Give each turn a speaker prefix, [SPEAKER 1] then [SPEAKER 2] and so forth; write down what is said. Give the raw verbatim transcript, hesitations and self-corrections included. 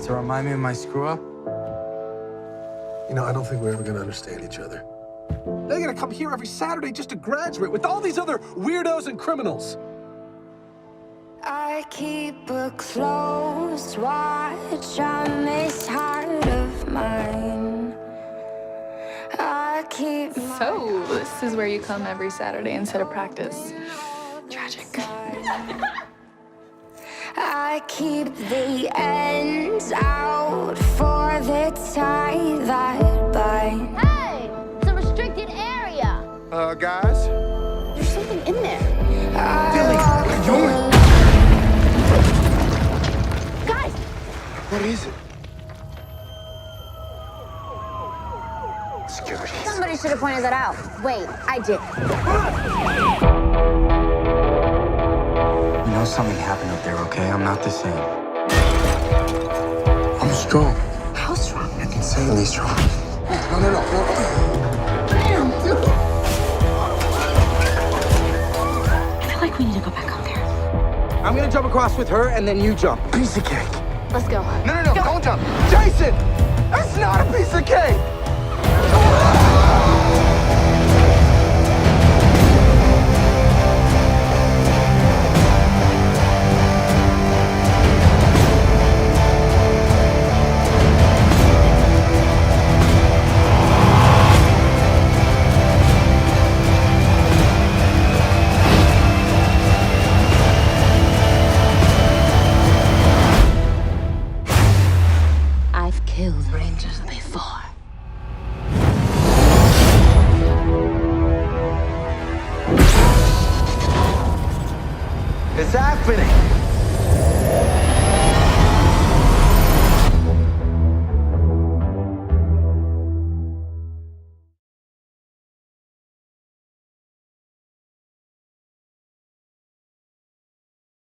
[SPEAKER 1] To remind me of my screw-up?
[SPEAKER 2] You know, I don't think we're ever gonna understand each other.
[SPEAKER 3] They're gonna come here every Saturday just to graduate with all these other weirdos and criminals.
[SPEAKER 4] I keep a close watch on this heart of mine. I keep
[SPEAKER 5] So, this is where you come every Saturday instead of practice. Tragic.
[SPEAKER 4] I keep the ends out for the tie that bind.
[SPEAKER 6] Hey, it's a restricted area.
[SPEAKER 7] Uh, guys?
[SPEAKER 6] There's something in there.
[SPEAKER 4] Billy, what are you doing?
[SPEAKER 6] Guys,
[SPEAKER 7] What is it?
[SPEAKER 2] Security.
[SPEAKER 6] somebody should have pointed that out. Wait, I did.
[SPEAKER 1] You know something happened up there, okay? I'm not the same.
[SPEAKER 2] I'm strong.
[SPEAKER 6] How strong?
[SPEAKER 2] Insanely strong. No, no, no, no.
[SPEAKER 6] I feel like we need to go back up there.
[SPEAKER 3] I'm gonna jump across with her, and then you jump.
[SPEAKER 2] Piece of cake.
[SPEAKER 6] Let's go.
[SPEAKER 7] No, no, no, don't jump.
[SPEAKER 3] Jason! That's not a piece of cake!
[SPEAKER 6] I've killed rangers before.
[SPEAKER 3] It's happening!